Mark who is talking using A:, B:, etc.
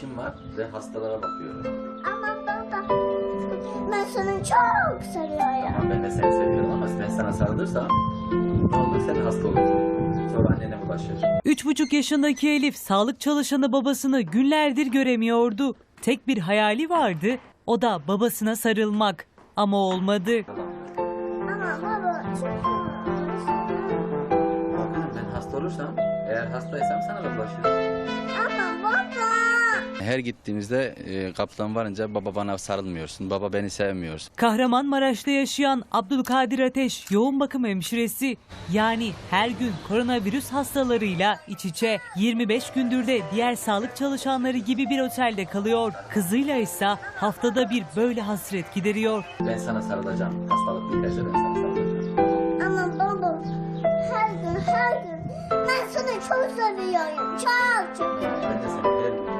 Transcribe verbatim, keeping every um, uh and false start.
A: işim var ve hastalara bakıyorum.
B: Ama baba, ben sana çok seviyorum.
A: Ama ben de seni seviyorum ama ben sana sarılırsam ne olur sen hasta olursun. Sonra annene bulaşır.
C: Üç buçuk yaşındaki Elif sağlık çalışanı babasını günlerdir göremiyordu. Tek bir hayali vardı, o da babasına sarılmak. Ama olmadı.
B: Ama baba çok
A: Bakın ben hasta olursam, eğer hastaysam sana da bulaşır.
B: Ama baba.
D: Her gittiğimizde e, kapıdan varınca baba bana sarılmıyorsun, baba beni sevmiyorsun.
C: Kahramanmaraş'ta yaşayan Abdülkadir Ateş yoğun bakım hemşiresi. Yani her gün koronavirüs hastalarıyla iç içe. yirmi beş gündür de diğer sağlık çalışanları gibi bir otelde kalıyor. Kızıyla ise haftada bir böyle hasret gideriyor.
A: Ben sana sarılacağım. Hastalık biterse ben sana sarılacağım.
B: Ama baba, her gün her gün ben sana çok seviyorum. Çok çok.
A: Ben de seni her gün